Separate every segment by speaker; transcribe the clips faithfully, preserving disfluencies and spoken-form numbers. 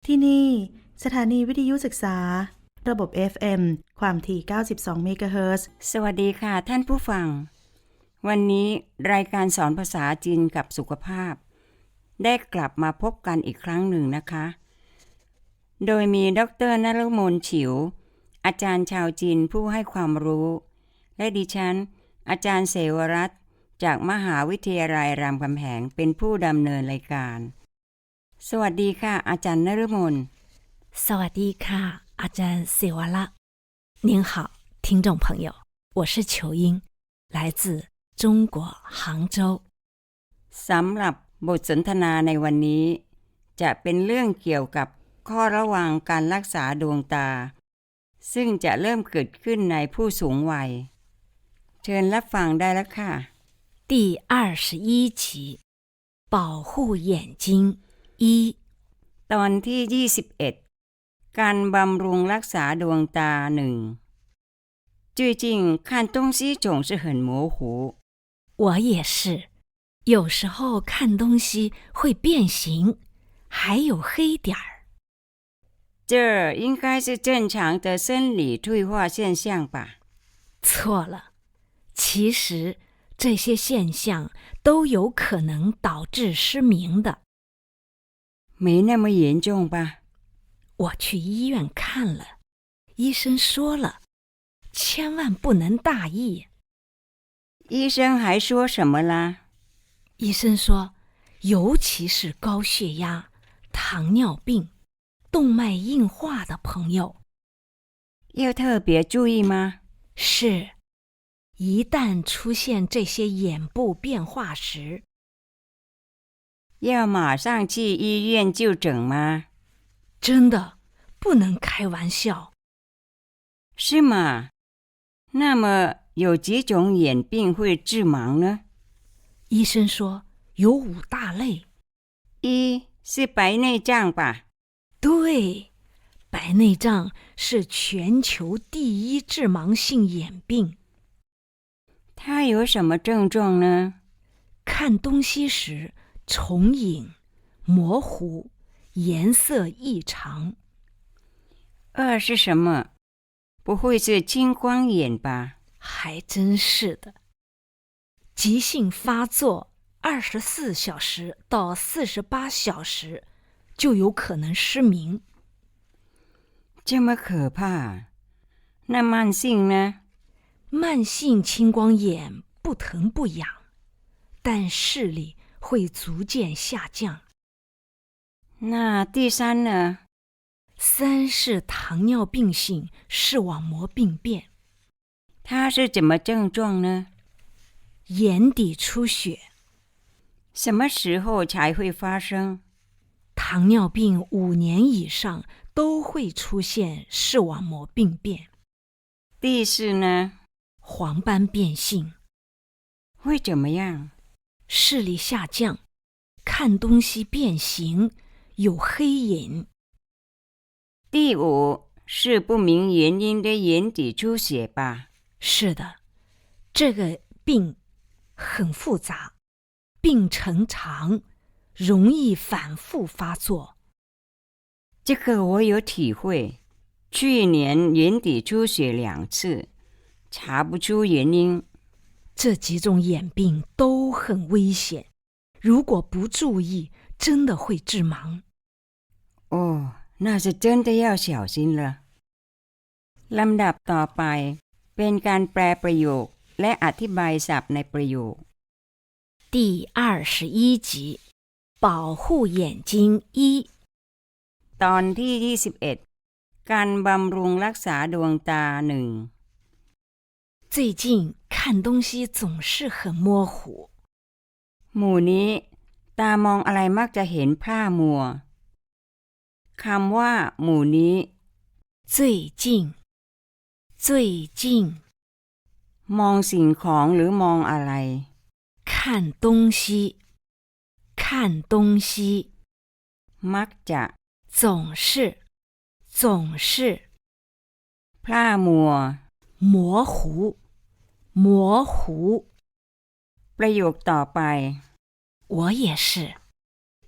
Speaker 1: ที่นี่สถานีวิทยุศึกษาระบบ เอฟ เอ็ม ความถี่เก้าสิบสองเมกะเฮิรตซ์
Speaker 2: สวัสดีค่ะท่านผู้ฟังวันนี้รายการสอนภาษาจีนกับสุขภาพได้กลับมาพบกันอีกครั้งหนึ่งนะคะโดยมีดร.นฤมลฉิวอาจารย์ชาวจีนผู้ให้ความรู้และดิฉันอาจารย์เสวรัตน์จากมหาวิทยาลัยรามคำแหงเป็นผู้ดำเนินรายการสวัสดีค่ะอาจารย์นฤมล
Speaker 3: สวัสดีค่ะอาจารย์เสวรัตน์您好听众朋友我是裘英来自中国杭州
Speaker 2: สำหรับบทสนทนาในวันนี้จะเป็นเรื่องเกี่ยวกับข้อระวังการรักษาดวงตาซึ่งจะเริ่มเกิดขึ้นในผู้สูงวัยเชิญรับฟังได้แล้วค่ะ
Speaker 3: 第二十一集保护眼睛一
Speaker 2: ตอนที่ยี่สิบเอ็ดการบำรุงรักษาดวงตาหนึ่ง最近看东西总是很模糊
Speaker 3: 我也是有时候看东西会变形还有黑点儿
Speaker 2: 这应该是正常的生理退化现象吧
Speaker 3: 错了其实这些现象都有可能导致失明的
Speaker 2: 没那么严重吧
Speaker 3: 我去医院看了医生说了千万不能大意
Speaker 2: 医生还说什么啦
Speaker 3: 医生说尤其是高血压糖尿病动脉硬化的朋友
Speaker 2: 要特别注意吗
Speaker 3: 是一旦出现这些眼部变化时
Speaker 2: 要马上去医院就诊吗
Speaker 3: 真的不能开玩笑
Speaker 2: 是吗那么有几种眼病会致盲呢
Speaker 3: 医生说有五大类
Speaker 2: 一是白内障吧
Speaker 3: 对白内障是全球第一致盲性眼病
Speaker 2: 它有什么症状呢
Speaker 3: 看东西时重影模糊颜色异常
Speaker 2: 二是什么不会是青光眼吧
Speaker 3: 还真是的急性发作二十四小时到四十八小时就有可能失明
Speaker 2: 这么可怕那慢性呢
Speaker 3: 慢性青光眼不疼不痒但视力会逐渐下降
Speaker 2: 那第三呢
Speaker 3: 三是糖尿病性视网膜病变
Speaker 2: 它是怎么症状呢
Speaker 3: 眼底出血
Speaker 2: 什么时候才会发生
Speaker 3: 糖尿病五年以上都会出现视网膜病变
Speaker 2: 第四呢
Speaker 3: 黄斑变性
Speaker 2: 会怎么样
Speaker 3: 视力下降看东西变形有黑影
Speaker 2: 第五是不明原因的眼底出血吧
Speaker 3: 是的这个病很复杂病程长容易反复发作
Speaker 2: 这个我有体会去年眼底出血两次查不出原因
Speaker 3: 这几种眼病都很危险如果不注意真的会致盲
Speaker 2: 哦那是真的要小心了ลำดับต่อไปเป็นการแปลประโยคและอธิบายศัพท์ในประโยค
Speaker 3: 第二十一集保护眼睛一
Speaker 2: ตอนที่ยี่สิบเอ็ดการบำรุงรักษาดวงตาหนึ่ง
Speaker 3: 最近看东西总是很模糊
Speaker 2: หมู่นี้ตามองอะไรมักจะเห็นพร่ามัวคำว่าหมู่นี้
Speaker 3: 最近最近
Speaker 2: มองสิ่งของหรือมองอะไร
Speaker 3: 看东西看东西
Speaker 2: มักจะ
Speaker 3: 总是总是
Speaker 2: พร่ามัว
Speaker 3: 模糊模糊
Speaker 2: ประโยคต่อไป
Speaker 3: 我也是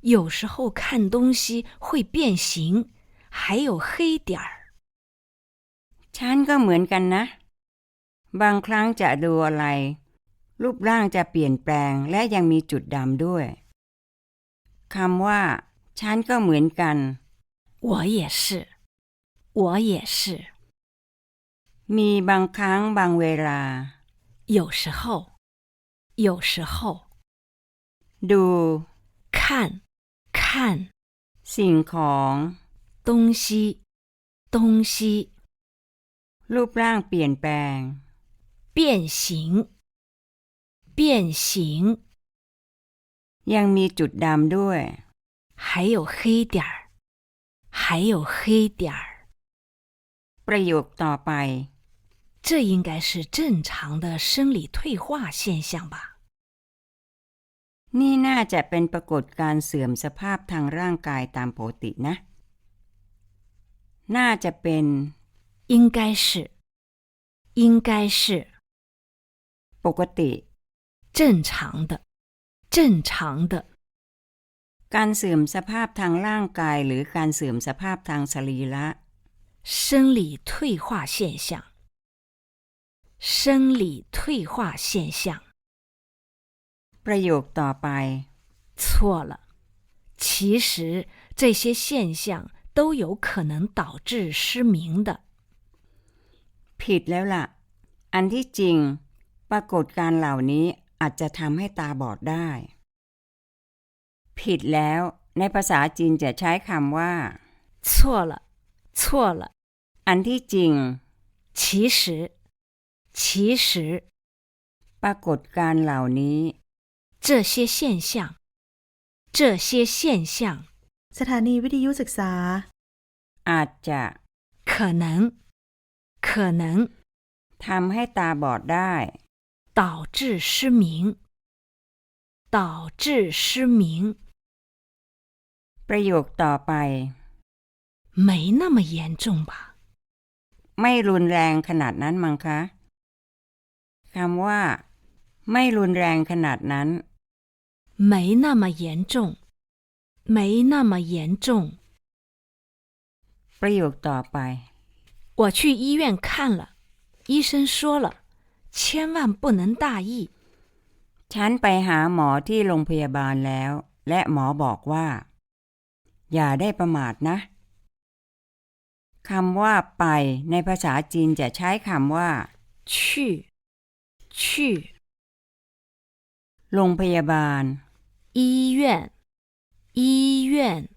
Speaker 3: 有时候看东西会变形，还有黑点儿。
Speaker 2: ฉันก็เหมือนกันนะ บางครั้งจะดูอะไร รูปร่างจะเปลี่ยนแปลงและยังมีจุดดำด้วย คำว่า ฉันก็เหมือนกัน
Speaker 3: 我也是，我也是。
Speaker 2: มีบางครั้งบางเวลา
Speaker 3: 有时候，有时候。
Speaker 2: ดู
Speaker 3: 看，看
Speaker 2: สิ่งของ
Speaker 3: 东西，东西
Speaker 2: รูปร่างเปลี่ยนแปลง
Speaker 3: 变形，变形
Speaker 2: ยังมีจุดดำด้วย
Speaker 3: 还有黑点儿，还有黑点儿。
Speaker 2: ประโยคต่อไป
Speaker 3: 这应该是正常的生理退化现象吧？
Speaker 2: นี่น่าจะเป็นปรากฏการณ์เสื่อมสภาพทางร่างกายตามปกตินะ น่าจะเป็น
Speaker 3: 应该是，应该是
Speaker 2: ปกติ
Speaker 3: 正常的，正常的。
Speaker 2: การเสื่อมสภาพทางร่างกายหรือการเสื่อมสภาพทางสรีระ
Speaker 3: 生理退化现象，生理退化现象。
Speaker 2: ประโยคต่อไป
Speaker 3: 错了，其实这些现象都有可能导致失明的。
Speaker 2: ผิดแล้วล่ะ อันที่จริง ปรากฏการณ์เหล่านี้อาจจะทำให้ตาบอดได้ ผิดแล้ว ในภาษาจีนจะใช้คำว่า
Speaker 3: 错了，错了，
Speaker 2: อันที่จริง
Speaker 3: 其实，其实
Speaker 2: ปรากฏการณ์เหล่านี้
Speaker 3: 这些现象，这些现象
Speaker 1: สถานีวิทยุศึกษา
Speaker 2: อาจจะ
Speaker 3: 可能，可能
Speaker 2: ทำให้ตาบอดได้
Speaker 3: 导致失明，导致失明。
Speaker 2: ประโยคต่อไป
Speaker 3: 没那么严重吧？
Speaker 2: ไม่รุนแรงขนาดนั้นมั้งคะ คำว่า ไม่รุนแรงขนาดนั้น
Speaker 3: 没那么严重，没那么严重。
Speaker 2: ประโยคต่อไป
Speaker 3: 我去医院看了，医生说了，千万不能大意。
Speaker 2: ฉันไปหาหมอที่โรงพยาบาลแล้ว และหมอบอกว่า อย่าได้ประมาทนะ คำว่าไปในภาษาจีนจะใช้คำว่า
Speaker 3: 去，去
Speaker 2: โรงพยาบาล
Speaker 3: 医院，医院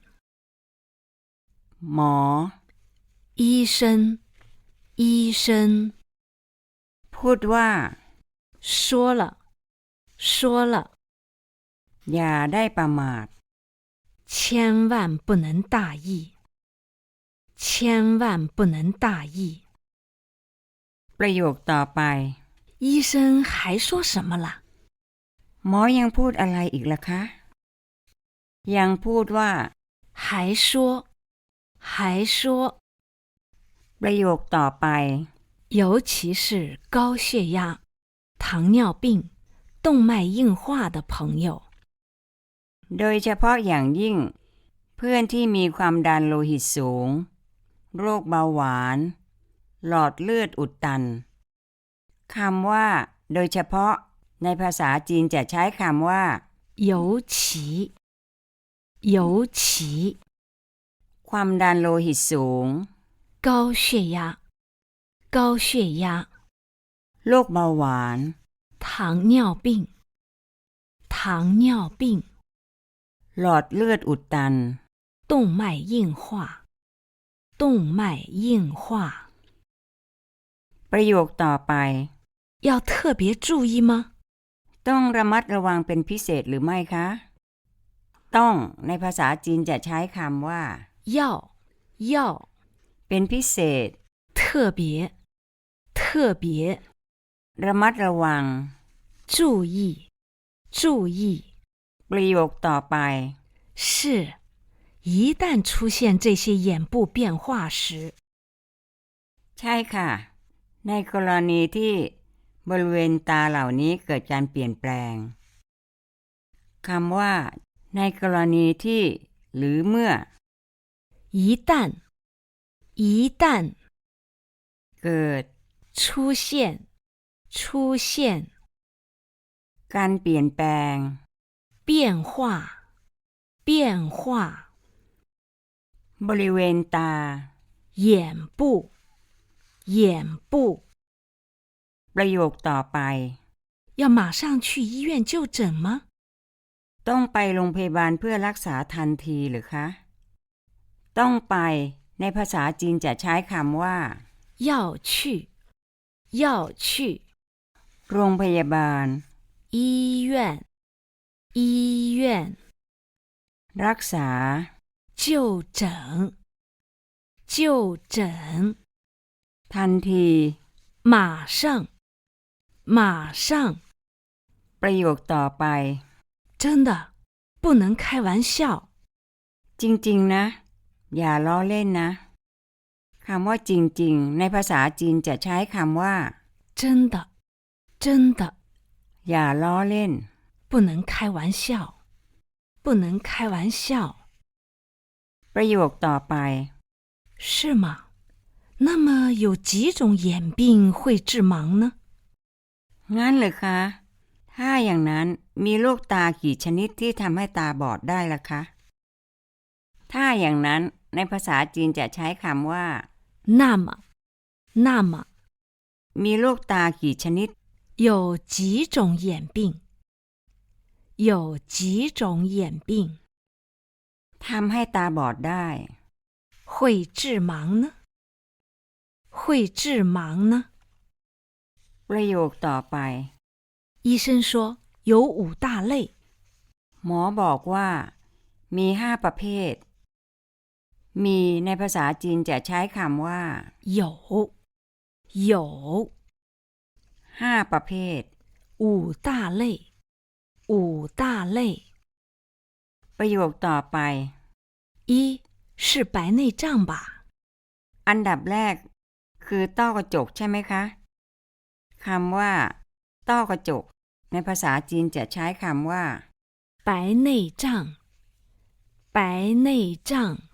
Speaker 2: หมอ
Speaker 3: 医生，医生
Speaker 2: พูดว่า
Speaker 3: 说了，说了，
Speaker 2: อย่าได้ประมาท
Speaker 3: 千万不能大意，千万不能大意。
Speaker 2: ประโยคต่อไป
Speaker 3: 医生还说什么了？
Speaker 2: หมอยังพูดอะไรอีกล่ะคะ ยังพูดว่า
Speaker 3: 还说，还说，
Speaker 2: ประโยคต่อไป
Speaker 3: 尤其是高血压、糖尿病、动脉硬化的朋友。
Speaker 2: โดยเฉพาะอย่างยิ่ง เพื่อนที่มีความดันโลหิตสูง โรคเบาหวาน หลอดเลือดอุดตัน คำว่า โดยเฉพาะ ในภาษาจีนจะใช้คำว่า
Speaker 3: 尤其，尤其
Speaker 2: ความดันโลหิตสูง
Speaker 3: 高血压，高血压、
Speaker 2: โรคเบาหวาน
Speaker 3: 糖尿病、糖尿病、
Speaker 2: หลอดเลือดอุดตัน
Speaker 3: 动脉硬化、动脉硬化。
Speaker 2: ประโยคต่อไป
Speaker 3: 要特别注意吗？
Speaker 2: ต้องระมัดระวังเป็นพิเศษหรือไม่คะ ต้องในภาษาจีนจะใช้คำว่า
Speaker 3: 要，要
Speaker 2: เป็นพิเศษ
Speaker 3: 特别，特别
Speaker 2: ระมัดระวัง
Speaker 3: 注意，注意。
Speaker 2: ประโยคต่อไป
Speaker 3: 是，一旦出现这些眼部变化时，
Speaker 2: ใช่ค่ะ ในกรณีที่บริเวณตาเหล่านี้เกิดการเปลี่ยนแปลง คำว่า ในในกรณีที่หรือเมื่อ
Speaker 3: 一旦一旦
Speaker 2: เกิด
Speaker 3: 出现出现
Speaker 2: การเปลี่ยนแปลง
Speaker 3: 变化变化
Speaker 2: บริเวณตา
Speaker 3: 眼部眼部
Speaker 2: ประโยคต่อไป
Speaker 3: 要马上去医院就诊吗？
Speaker 2: ต้องไปโรงพยาบาลเพื่อรักษาทันทีหรือคะต้องไปในภาษาจีนจะใช้คำว่า
Speaker 3: 要去要去
Speaker 2: โรงพยาบาล
Speaker 3: 医院医院
Speaker 2: รักษา
Speaker 3: 就诊就诊
Speaker 2: ทันที
Speaker 3: 马上马上
Speaker 2: ประโยคต่อไป
Speaker 3: 真的不能开玩笑
Speaker 2: จริงๆนะอย่าล้อเล่นนะคำว่าจริงๆในภาษาจีนจะใช้คำว่า
Speaker 3: 真的真的
Speaker 2: อย่าล้อเล่น
Speaker 3: 不能开玩笑不能开玩笑
Speaker 2: ประโยคต่อไป
Speaker 3: 是吗？那么有几种眼病会致盲呢？
Speaker 2: งั้นเหรอคะถ้าอย่างนั้นมีโรคตากี่ชนิดที่ทำให้ตาบอดได้ล่ะคะถ้าอย่างนั้นในภาษาจีนจะใช้คำว่า
Speaker 3: 那么那么
Speaker 2: มีโรคตากี่ชนิด
Speaker 3: 有几种眼病有几种眼病
Speaker 2: ทำให้ตาบอดได้
Speaker 3: 会致盲呢会致盲呢
Speaker 2: ประโยคต่อไป
Speaker 3: 医生说有五大类
Speaker 2: หมอบอกว่ามีห้าประเภทมีในภาษาจีนจะใช้คำว่า
Speaker 3: 有有
Speaker 2: ห้าประเภท
Speaker 3: 五大类五大类
Speaker 2: ประโยคต่อไป
Speaker 3: 一是白内障吧
Speaker 2: อันดับแรกคือต้อกระจกใช่ไหมคะคำว่าต้อกระจกในภาษาจีนจะใช้คำว่า
Speaker 3: 白内障白内障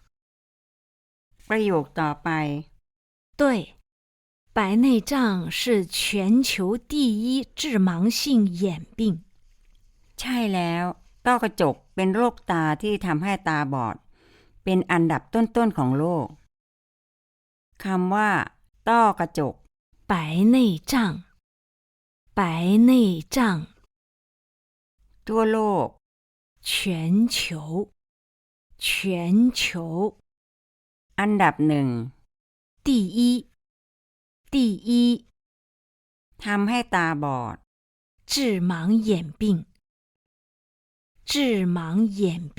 Speaker 2: ประโยคต่อไป
Speaker 3: 对白内障是全球第一致盲性眼病
Speaker 2: ใช่แล้วต้อกระจกเป็นโรคตาที่ทำให้ตาบอดเป็นอันดับต้นๆของโลกคำว่าต้อกระจก
Speaker 3: 白内障白内障
Speaker 2: ทั่วโลก
Speaker 3: 全球全球
Speaker 2: อันดับหนึ่ง
Speaker 3: 第一第一
Speaker 2: ทำให้ตาบอด
Speaker 3: 致盲眼病致盲眼病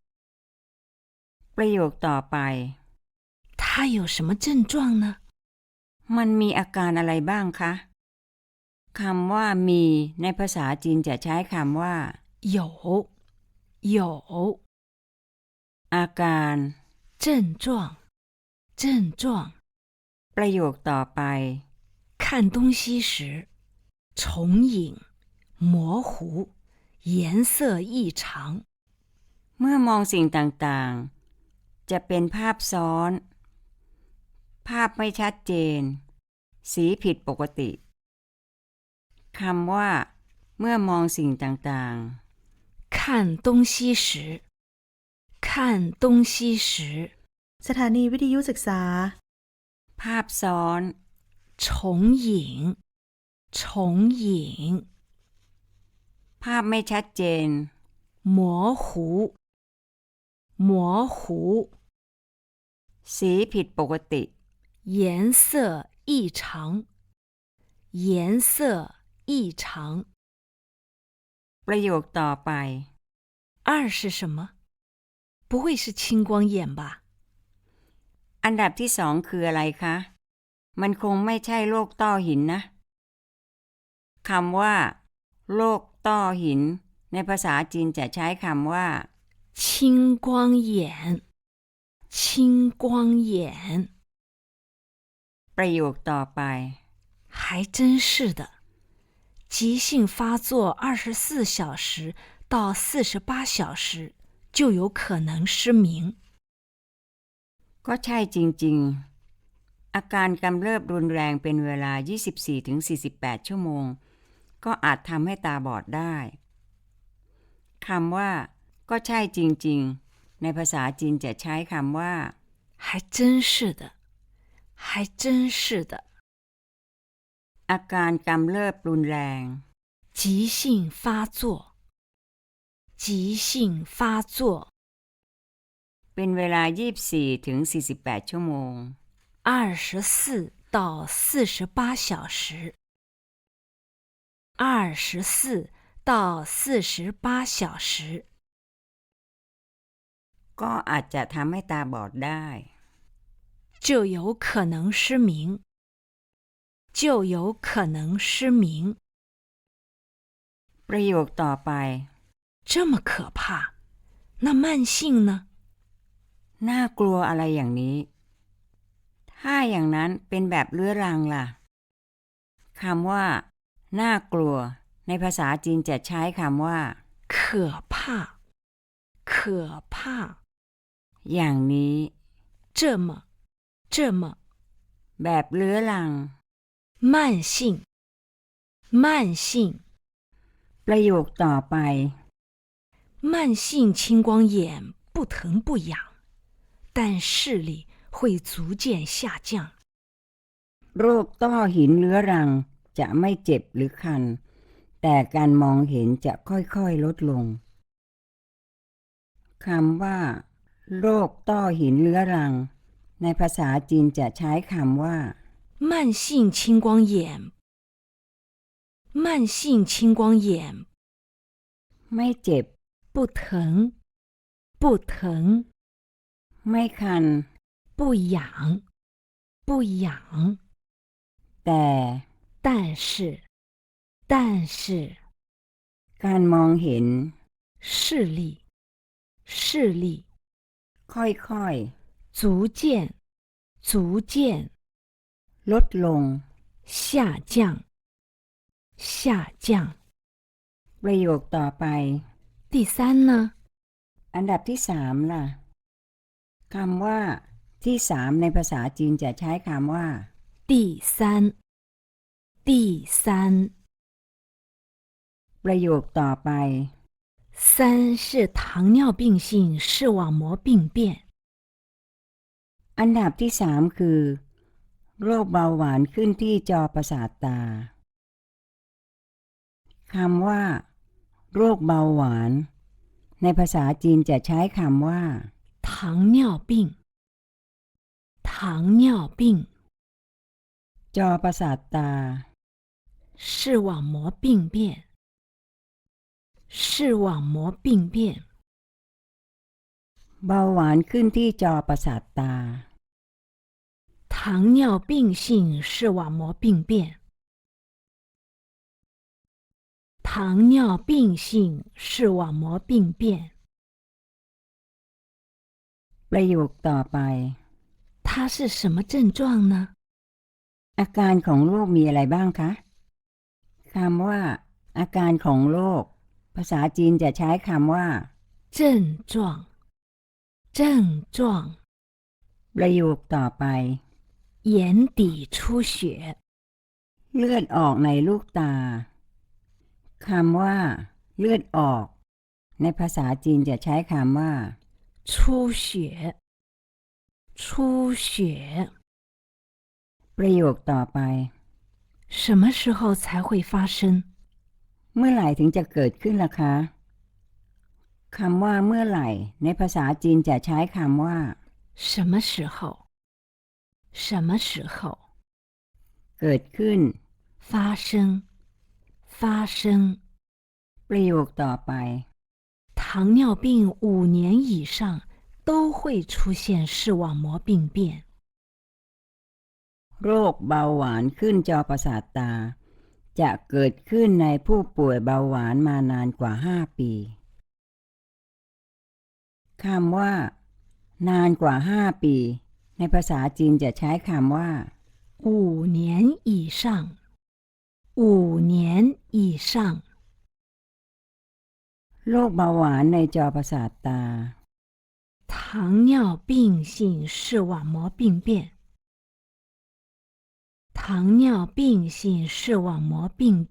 Speaker 2: ประโยคต่อไป
Speaker 3: 它有什么症状呢
Speaker 2: มันมีอาการอะไรบ้างคะคำว่ามีในภาษาจีนจะใช้คำว่า
Speaker 3: 有有
Speaker 2: อาการ
Speaker 3: 症状症状
Speaker 2: ประโยคต่อไป
Speaker 3: 看东西时重影模糊颜色异常
Speaker 2: เมื่อมองสิ่งต่างๆจะเป็นภาพซ้อนภาพไม่ชัดเจนสีผิดปกติคำว่าเมื่อมองสิ่งต่าง
Speaker 3: ๆ看东西时看东西时
Speaker 1: สถานีวิทยุศึกษา
Speaker 2: ภาพซ้อน
Speaker 3: 重影重影
Speaker 2: ภาพไม่ชัดเจน
Speaker 3: 模糊模糊
Speaker 2: สีผิดปกติ
Speaker 3: 颜色异常颜色异常
Speaker 2: ประโยคต่อไป
Speaker 3: 二是什么不会是青光眼吧
Speaker 2: อันดับที่สองคืออะไรคะมันคงไม่ใช่โรคต้อหินนะคำว่าโรคต้อหินในภาษาจีนจะใช้คำว่า
Speaker 3: 青光眼青光眼
Speaker 2: ประโยคต่อไป
Speaker 3: 还真是的急性发作二十四小时到四十八小时就有可能失明。
Speaker 2: ก็ใช่จริงๆ อาการกำเริบรุนแรงเป็นเวลา ยี่สิบสี่ถึงสี่สิบแปด ชั่วโมง ก็อาจทำให้ตาบอดได้ คำว่าก็ใช่จริงๆ ในภาษาจีนจะใช้คำว่า
Speaker 3: 还真是的，还真是的。
Speaker 2: อาการกำเริบรุนแรง
Speaker 3: 急性发作，急性发作，
Speaker 2: เป็นเวลา ยี่สิบสี่ถึงสี่สิบแปด ชั่วโมง
Speaker 3: 二十四到四十八小时，二十四到四十八小时，
Speaker 2: ก็อาจจะทำให้ตาบอดได้
Speaker 3: 就有可能失明，就有可能失明。
Speaker 2: ประโยคต่อไป
Speaker 3: 这么可怕，那慢性呢？
Speaker 2: น่ากลัวอะไรอย่างนี้ ถ้าอย่างนั้นเป็นแบบเรื้อรังล่ะ คำว่า น่ากลัว ในภาษาจีนจะใช้คำว่า
Speaker 3: 可怕，可怕。
Speaker 2: อย่างนี้
Speaker 3: 这么，这么
Speaker 2: แบบเรื้อรัง
Speaker 3: 慢性，慢性。
Speaker 2: ประโยคต่อไป
Speaker 3: 慢性青光眼不疼不痒，但视力会逐渐下降。
Speaker 2: โรคต้อหินเรื้อรังจะไม่เจ็บหรือคัน แต่การมองเห็นจะค่อยๆลดลง คำว่า โรคต้อหินเรื้อรัง ในภาษาจีนจะใช้คำว่า
Speaker 3: 慢性青光眼，慢性青光眼
Speaker 2: ไม่เจ็บ
Speaker 3: 不疼，不疼，
Speaker 2: ไม่คัน
Speaker 3: 不痒，不痒。
Speaker 2: แต่
Speaker 3: 但是，但是
Speaker 2: การมองเห็น
Speaker 3: 视力，视力
Speaker 2: ค่อย
Speaker 3: 逐渐，逐渐
Speaker 2: ๆ ลดลง
Speaker 3: 下降，下降。
Speaker 2: ประโยคต่อไป
Speaker 3: 第三呢？
Speaker 2: อันดับที่สามล่ะ คำว่า ที่สามในภาษาจีนจะใช้คำว่า
Speaker 3: 第三，第三，
Speaker 2: ประโยคต่อไป
Speaker 3: 三是糖尿病性视网膜病变。
Speaker 2: อันดับที่สามคือ โรคเบาหวานขึ้นที่จอประสาทตา คำว่า โรคเบาหวาน ในภาษาจีนจะใช้คำว่า
Speaker 3: 糖尿病，糖尿病
Speaker 2: จอประสาทตา
Speaker 3: 视网膜病变，视网膜病变
Speaker 2: เบาหวานขึ้นที่จอประสาทตา
Speaker 3: 糖尿病性视网膜病变，糖尿病性视网膜病变。
Speaker 2: ประโยคต่อไป
Speaker 3: 它是什么症状呢？
Speaker 2: อาการของโรคมีอะไรบ้างคะ คำว่า อาการของโรค ภาษาจีนจะใช้คำว่า
Speaker 3: 症状，症状。
Speaker 2: ประโยคต่อไป
Speaker 3: 眼底出血，
Speaker 2: เลือดออกในลูกตา คำว่า เลือดออก ในภาษาจีนจะใช้คำว่า
Speaker 3: 出血，出血。
Speaker 2: ประโยคต่อไป
Speaker 3: 什么时候才会发生？
Speaker 2: เมื่อไหร่ถึงจะเกิดขึ้นล่ะคะ คำว่าเมื่อไหร่ ในภาษาจีนจะใช้คำว่า
Speaker 3: 什么时候？什么时候？
Speaker 2: เกิดขึ้น
Speaker 3: 发生，发生。
Speaker 2: ประโยคต่อไป
Speaker 3: 糖尿病五年以上都会出现视网膜病变。
Speaker 2: โรคเบาหวานขึ้นจอประสาทตา จะเกิดขึ้นในผู้ป่วยเบาหวานมานานกว่าห้าปี คำว่า นานกว่าห้าปี ในภาษาจีนจะใช้คำว่า
Speaker 3: 五年以上，五年以上。
Speaker 2: โรคเบาหวานในจอประสาทตา
Speaker 3: 糖尿病性视网膜病变，糖尿病性视网膜病变。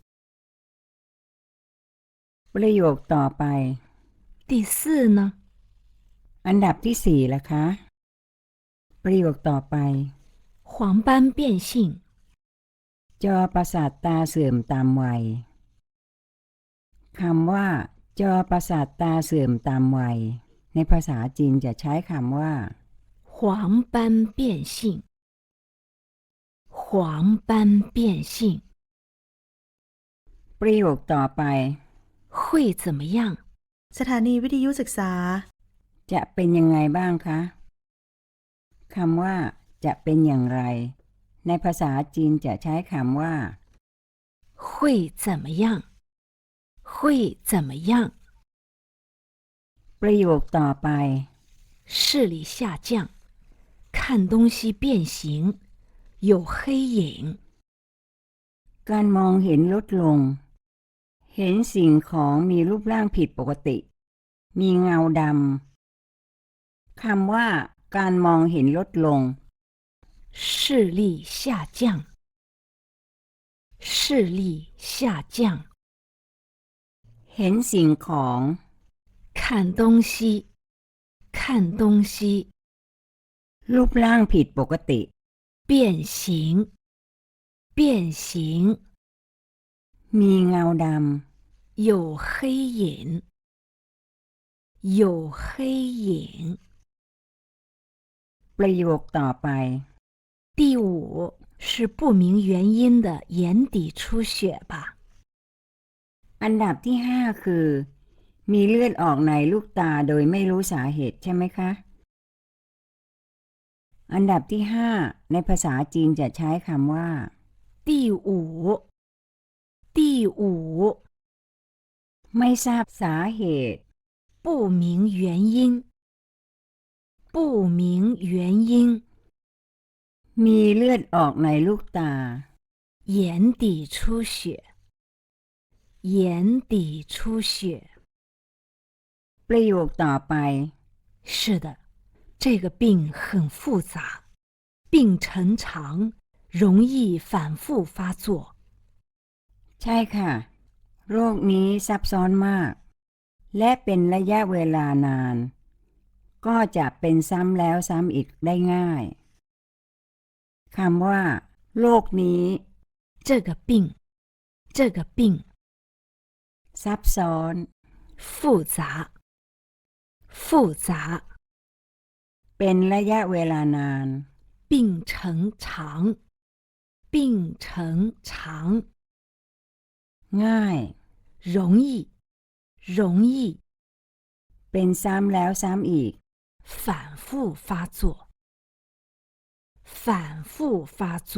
Speaker 2: ประโยคต่อไป
Speaker 3: 第四呢？
Speaker 2: อันดับที่สี่ล่ะคะประโยคต่อไป
Speaker 3: 黄斑变性，
Speaker 2: จอประสาทตาเสื่อมตามวัยคำว่าจอประสาทตาเสื่อมตามวัยในภาษาจีนจะใช้คำว่า
Speaker 3: 黄斑变性，黄斑变性。
Speaker 2: ประโยคต่อไป
Speaker 3: 会怎么样？
Speaker 1: สถานีวิทยุศึกษา
Speaker 2: จะเป็นยังไงบ้างคะคำว่าจะเป็นอย่างไรในภาษาจีนจะใช้คำว่า
Speaker 3: 会怎么样？会怎么样？
Speaker 2: ประโยคต่อไป
Speaker 3: 视力下降，看东西变形，有黑影。
Speaker 2: การมองเห็นลดลงเห็นสิ่งของมีรูปร่างผิดปกติมีเงาดำคำว่าการมองเห็นลดลง
Speaker 3: 视力下降，视力下降。
Speaker 2: เห็นสิ่งของ
Speaker 3: 看东西，看东西。
Speaker 2: รูปร่างผิดปกติ
Speaker 3: 变形，变形。
Speaker 2: มีเงาด
Speaker 3: 有黑影，有黑影。
Speaker 2: ประโยคต่อไป
Speaker 3: 第五是不明原因的眼底出血吧？
Speaker 2: อันดับที่ห้าคือมีเลือดออกในลูกตาโดยไม่รู้สาเหตุใช่ไหมคะอันดับที่ห้าในภาษาจีนจะใช้คำว่า
Speaker 3: 第五，第五。
Speaker 2: ไม่ทราบสาเหตุ
Speaker 3: 不明原因，不明原因。
Speaker 2: มีเลือดออกในลูกตา
Speaker 3: 眼底出血，眼底出血。
Speaker 2: ประโยคต่อไป
Speaker 3: 是的，这个病很复杂，病程长，容易反复发作。
Speaker 2: ใช่ค่ะโรคนี้ซับซ้อนมากและเป็นระยะเวลานานก็จะเป็นซ้ำแล้วซ้ำอีกได้ง่ายคำว่าโรคนี้
Speaker 3: 这个病，这个病
Speaker 2: ซับซ้อน
Speaker 3: 复杂，复杂。
Speaker 2: เป็นระยะเวลานาน
Speaker 3: 病程长，病程长。
Speaker 2: ง่าย
Speaker 3: 容易，容易。
Speaker 2: เป็นซ้ำแล้วซ้ำอีก
Speaker 3: 反复发作，反复发作。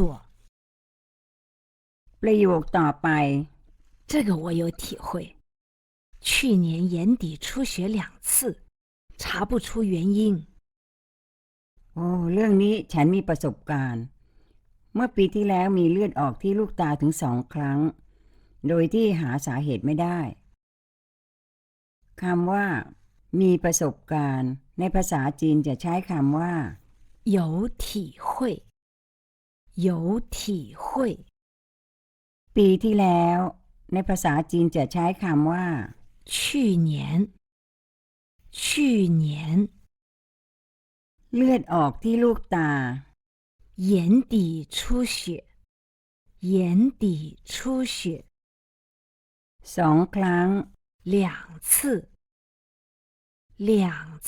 Speaker 2: ประโยคต่อไป
Speaker 3: 这个我有体会。去年眼底出血两次，查不出原因。
Speaker 2: โอ้เรื่องนี้ฉันมีประสบการณ์เมื่อปีที่แล้วมีเลือดออกที่ลูกตาถึงสองครั้งโดยที่หาสาเหตุไม่ได้คำว่ามีประสบการณ์ในภาษาจีนจะใช้คำว่า
Speaker 3: 有体会，有体会。
Speaker 2: ปีที่แล้วในภาษาจีนจะใช้คำว่า
Speaker 3: 去年，去年。
Speaker 2: เลือดออกที่ลูกตา
Speaker 3: 眼底出血，眼底出血。
Speaker 2: สองครั้ง
Speaker 3: 两次，两次。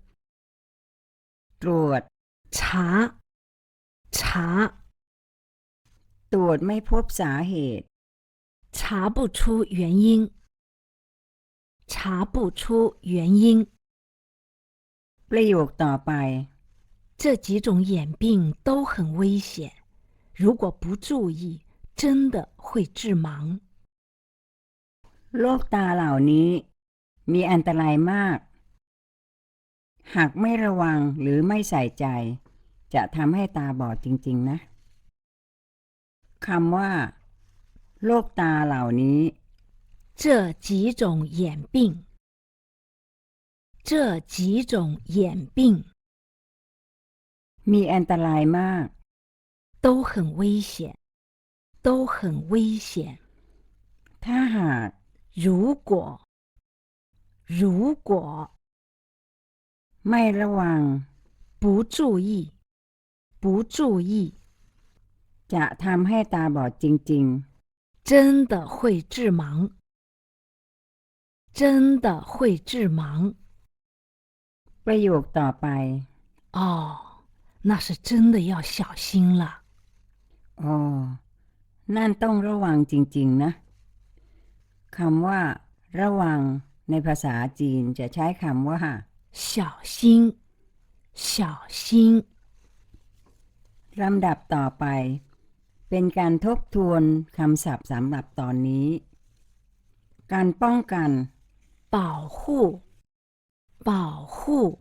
Speaker 2: ตรวจ
Speaker 3: 查，查。
Speaker 2: ตรวจไม่พบสาเหตุ
Speaker 3: 查不出原因，查不出原因。
Speaker 2: ประโยคต่อไป
Speaker 3: 这几种眼病都很危险，如果不注意，真的会致盲。
Speaker 2: โรคตาเหล่านี้มีอันตรายมากหากไม่ระวังหรือไม่ใส่ใจจะทำให้ตาบอดจริงๆนะคำว่าโรคตาเหล่านี้
Speaker 3: 这这几种眼病，这几种眼病
Speaker 2: มีอันตรายมาก
Speaker 3: 都很危险，都很危险。
Speaker 2: ถ้าหาก
Speaker 3: 如果，如果
Speaker 2: ไม่ระวัง
Speaker 3: 不注意，不注意，
Speaker 2: จะทำให้ตาบอดจริง
Speaker 3: 真的会致盲，真的会致盲。
Speaker 2: ๆ ประโยคต่อไป
Speaker 3: 哦，那是真的要小心了。
Speaker 2: อ๋อ นั่นต้องระวังจริงๆนะคำว่า ระวัง ในภาษาจีนจะใช้คำว่า
Speaker 3: 小心，小心。
Speaker 2: ลำดับต่อไป เป็นการทบทวนคำศัพท์สำหรับตอนนี้ การป้องกัน
Speaker 3: 保护，保护，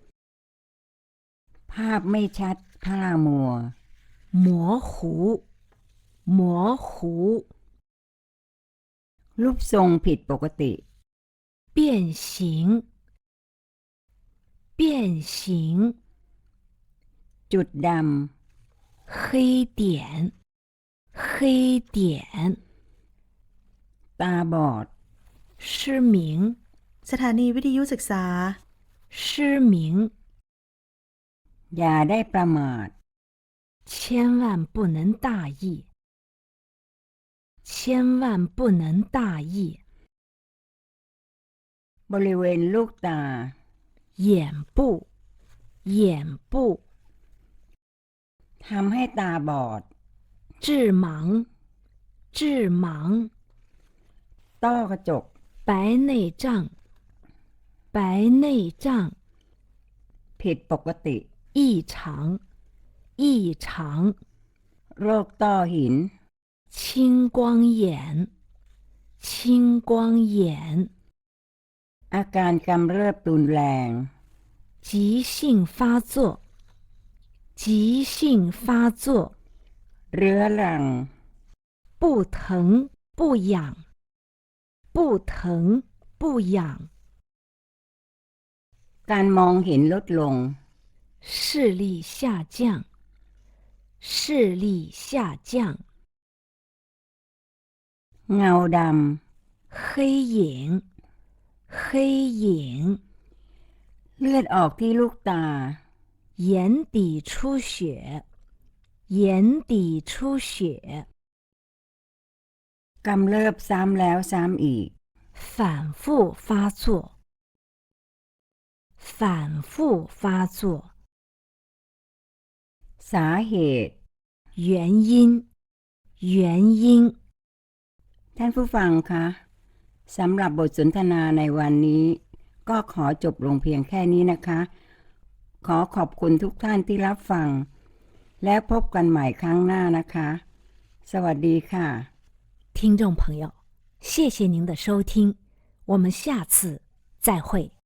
Speaker 2: ภาพไม่ชัดพลามัว
Speaker 3: 模糊，模糊，
Speaker 2: รูปทรงผิดปกติ
Speaker 3: 变形，变形，
Speaker 2: จุดด
Speaker 3: 黑点，黑点，
Speaker 2: ำ ตาบอด
Speaker 3: 失明，
Speaker 1: สถานีวิทยุศึกษา
Speaker 3: 失明，
Speaker 2: อย่าได้ประมาท
Speaker 3: 千万不能大意，千万不能大意。
Speaker 2: บริเวณลูกตา
Speaker 3: 眼部，眼部，
Speaker 2: ทำให้ตาบอด
Speaker 3: 致盲，致盲，
Speaker 2: ต้อกระจก
Speaker 3: 白内障，白内障，
Speaker 2: ผิดปกติ
Speaker 3: 异常，异常，
Speaker 2: โรคต้อหิน
Speaker 3: 青光眼，青光眼，
Speaker 2: อาการกำเริบรุนแรง
Speaker 3: 急性发作，急性发作，
Speaker 2: เรื้อรัง
Speaker 3: 不疼不痒，不疼不痒，
Speaker 2: การมองเห็นลดลง
Speaker 3: 视力下降，视力下降，
Speaker 2: เงาด
Speaker 3: 黑影，黑影，
Speaker 2: ำ เลือดออกที่ลูกตา
Speaker 3: 眼底出血，眼底出血，
Speaker 2: กำเริบซ้ำแล้วซ้ำอีก
Speaker 3: 反复发作，反复发作，
Speaker 2: สาเหตุ
Speaker 3: 原因，原因。
Speaker 2: ท่านผู้ฟังคะสำหรับบทสนทนาในวันนี้ ก็ขอจบลงเพียงแค่นี้นะคะ ขอขอบคุณทุกท่านที่รับฟัง แล้วพบกันใหม่ครั้งหน้านะคะ สวัสดีค่ะ
Speaker 3: 听众朋友，谢谢您的收听，我们下次再会。